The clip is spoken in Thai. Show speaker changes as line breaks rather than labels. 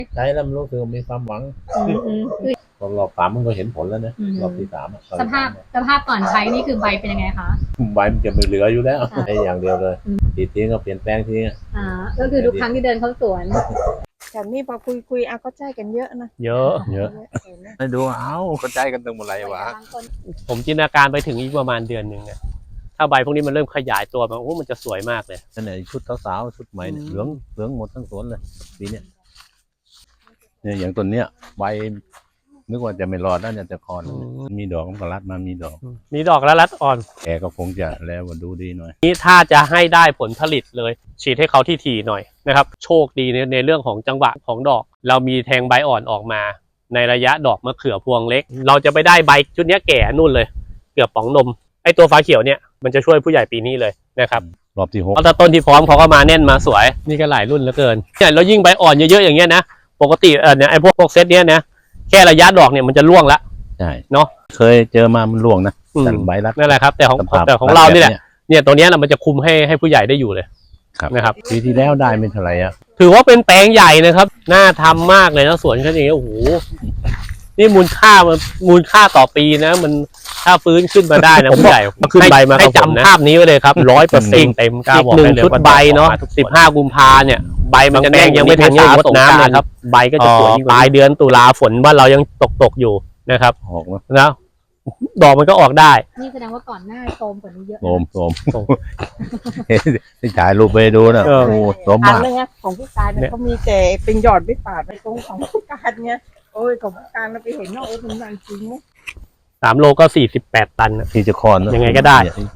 ใช้แล้วมันรู้สึกมีความหวังตอนรอบสามมันก็เห็นผลแล้วนะรอบที่สาม
สภาพก่อนใช้นี่คือใบเป็นยังไงคะ
ใบมันจะไม่เหลืออยู่แล้วใช้อย่างเดียวเลยทีทิ้งก็เปลี่ยนแปลงทิ้ง
ก็คือทุกครั้งที่เดินเข้าสวน
แถวนี้พอคุยก็ใจกันเยอะนะ
เยอะ
ให้ดูก็ใจกันตั้งหมดไรวะ
ผมจินตนาการไปถึงอีกประมาณเดือนหนึ่งเนี่ยถ้าใบพวกนี้มันเริ่มขยายตัวมามันจะสวยมากเลย
นั่นแหละชุดสาวๆชุดใหม่เหลืองหมดทั้งสวนเลยปีนี้เนี่ยอย่างต้นเนี้ยใบนึกว่าจะไม่รอดแล้วเนี่ยจะคอนมีดอกมันก็รัดมามีดอก
แล้วรัดอ่อน
แกก็คงจะแล้วดูดีหน่อย
นี่ถ้าจะให้ได้ผลผลิตเลยฉีดให้เขาที่ถี่หน่อยนะครับโชคดีในเรื่องของจังหวะของดอกเรามีแทงใบอ่อนออกมาในระยะดอกมะเขือพวงเล็กเราจะไปได้ใบชุดนี้แก่นู่นเลยเกือบป๋องนมไอตัวฟ้าเขียวเนี่ยมันจะช่วยผู้ใหญ่ปีนี้เลยนะครับ
รอบที่6
เพราะต้นที่พร้อมเขาก็มาแน่นมาสวยนี่ก็หลายรุ่นเหลือเกินเนี่ยเรายิ่งใบอ่อนเยอะๆอย่างเงี้ยนะปกติเนี่ยไอพวกเซตเนี้ยนะแค่ระยะดอกเนี่ยมันจะร่วงละ
ใช่
เนาะ
เคยเจอมามันร่วงนะแต่ใบรัด
นั่นแหละครับแต่ของเราเนี่ยตัวเนี้ยมันจะคุมให้ผู้ใหญ่ได้อยู่เลยนะครับ
ปีที่แล้วได้ไม่เท่าไหร่
ถือว่าเป็นแปลงใหญ่นะครับน่าทำมากเลยนะสวนแค่นี้โอ้โหนี่มูลค่าต่อปีนะมันถ้าฟื้นขึ้นมาได้นะผู้ใหญ่ขึ้นใบมาให้จำภาพนี้ไว้เลยครับ100%เต็มกล้าบอกเลยชุดใบเนาะ15 กุมภาเนี่ยใบมันจะแดงยังไม่ทันรดน้ำเลยครับใบก็จะสวยปลายเดือนตุลาฝนว่าเรายังตกอยู่นะครับนะดอกมันก็ออกได้
นี่แสดงว่าก่อนหน้าโทมกว่านี้เยอะ
โทมที่ถ่ายรูปไปดูนะโอ้โทมมาก
ของพี่การเนี่ยเขามีแต่เป็นหยอดไม่ปาดไปตรงของพี่การเนี่ยโอ้ยของพี่การเราไปเห็นว่ามันจริงไหม
3 โลก็48 ตัน
ที่จะคอน
ยังไงก็ได้